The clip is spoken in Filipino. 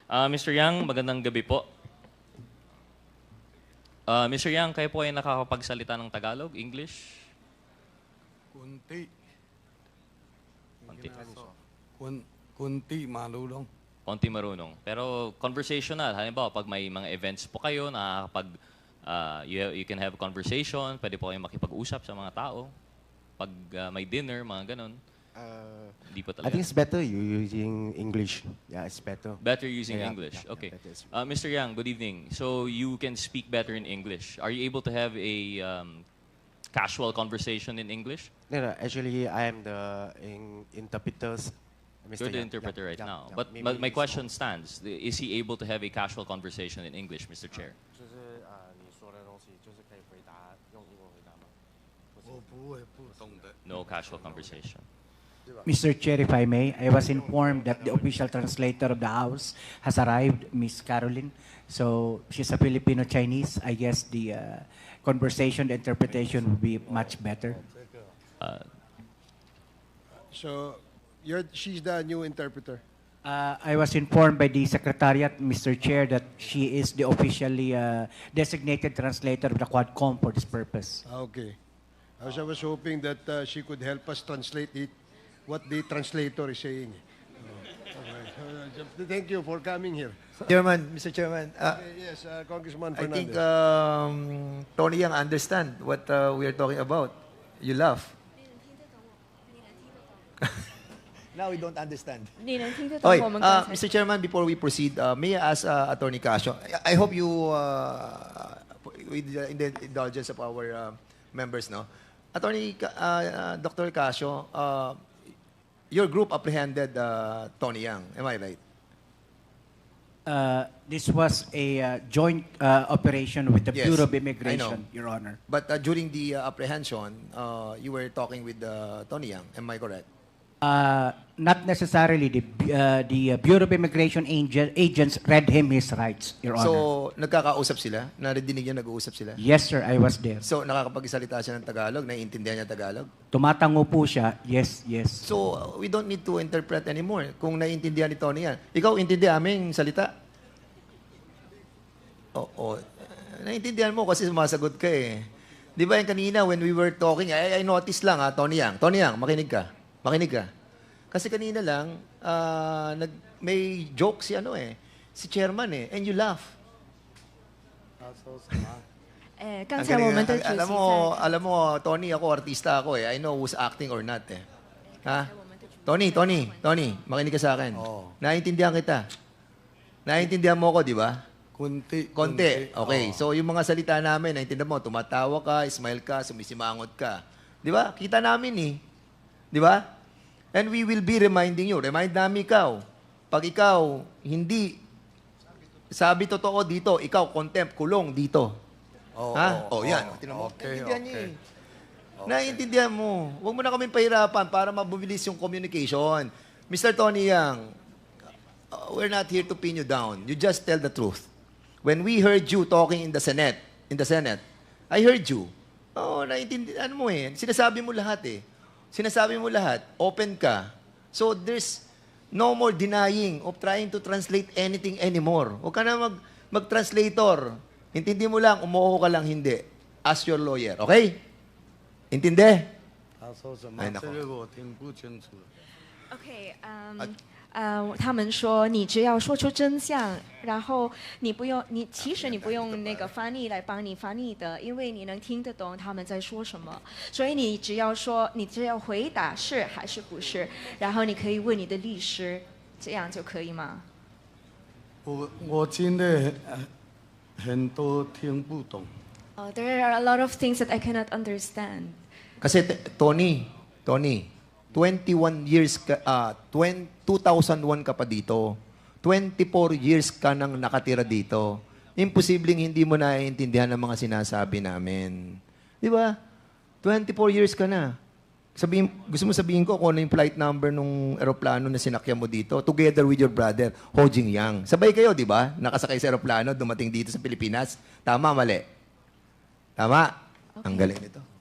Mr. Yang, magandang gabi po. Mr. Yang, kayo po ay nakakapagsalita ng Tagalog, English? Kunti. Konti. Kunti, malulong. Konti marunong. Pero conversational. Halimbawa, pag may mga events po kayo, you can have conversation, pwede po kayong makipag-usap sa mga tao. Pag may dinner, mga ganun. Hindi po I talaga. think it's better you using English. Yeah, it's better. Better using Yeah, English. yeah, Okay. better is- Mr. Yang, good evening. So you can speak better in English. Are you able to have a casual conversation in English? No, actually, I am the interpreters. Mr. You're the Yang. interpreter Yeah, right yeah, now. yeah. But Maybe my it's question stands. Is he able to have a casual conversation in English, Mr. Chair? 就是你说的东西，就是可以回答用英文回答吗？ 我不会不懂的。 No casual conversation. Mr. Chair, if I may, I was informed that the official translator of the House has arrived, Miss Caroline. So she's a Filipino-Chinese. I guess the conversation, the interpretation will be much better. So, she's the new interpreter. I was informed by the Secretariat, Mr. Chair, that she is the officially designated translator of the Quadcom for this purpose. Okay. I was hoping that she could help us translate what the translator is saying. Okay. Thank you for coming here. Chairman, Mr. Chairman, Yes, Congressman I think Fernandez. Tony Yang understand what we are talking about. You laugh. Now we don't understand. 你能听得懂 Okay, 我们刚才 Mr. Chairman, before we proceed, may I ask Attorney Casio, I hope you, with the indulgence of our members, no? Attorney, Dr. Casio, your group apprehended Tony Yang, am I right? This was a joint operation with the Yes, Bureau of I know. Immigration, Your Honor. But during the apprehension, you were talking with Tony Yang, am I correct? Not necessarily. The Bureau of Immigration agents read him his rights, Your Honor. So, nagkakausap sila? Narinig niya nag-uusap sila? Yes, sir, I was there. So, nakakapagsalita siya ng Tagalog? Naiintindihan niya Tagalog? Tumatango po siya. Yes, yes. So, we don't need to interpret anymore. Kung naiintindihan ni Tony yan. Ikaw, intindi aming salita? Oo. Naiintindihan mo kasi sumasagot ka eh. Di ba yung kanina when we were talking, I noticed lang Tony Yang. Tony Yang, makinig ka. Makinig ka. Kasi kanina lang, may joke si si chairman eh, and you laugh. 刚才我们的主席 alam mo, Tony, ako, artista ako eh. I know who's acting or not eh. Ha? Tony, makinig ka sa akin. Oo. Naiintindihan kita. Naiintindihan mo ako, di ba? Kunti. Konti. Okay. Oo. So, yung mga salita namin, naiintindihan mo, tumatawa ka, smile ka, sumisimangot ka. Di ba? Kita namin eh. Di ba? And we will be reminding you. Remind namin ikaw. Pag ikaw, hindi sabi totoo dito, ikaw, contempt, kulong dito. Oo, Ha? oo, Yan. oo. Tingnan mo. Okay, Naiintindihan niya okay. eh. Naiintindihan mo. Huwag mo na kaming pahirapan para mabubilis yung communication. Mr. Tony Yang, we're not here to pin you down. You just tell the truth. When we heard you talking in the Senate, I heard you. Naiintindihan mo eh. Sinasabi mo lahat eh. Sinasabi mo lahat. Open ka. So there's no more denying of trying to translate anything anymore. Huwag ka na mag-translator. Intindi mo lang, umuho ka lang, hindi. Ask your lawyer, okay? Intindi? 他说什么哎那？好这个我听不清楚。 OK，他们说你只要说出真相，然后其实你不用那个翻译来帮你翻译的，因为你能听得懂他们在说什么，所以你只要回答是还是不是，然后你可以问你的律师，这样就可以吗？ 我真的很多听不懂。 There are a lot of things that I cannot understand. Kasi, Tony, 21 years ka, 2001 ka pa dito. 24 years ka nang nakatira dito. Imposibleng hindi mo naiintindihan ang mga sinasabi namin. Di ba? 24 years ka na. Gusto mo sabihin ko kung ano yung flight number nung aeroplano na sinakyan mo dito together with your brother, Ho Jing Yang. Sabay kayo, di ba? Nakasakay sa aeroplano, dumating dito sa Pilipinas. Tama, mali? Tama? Okay. Ang galing nito.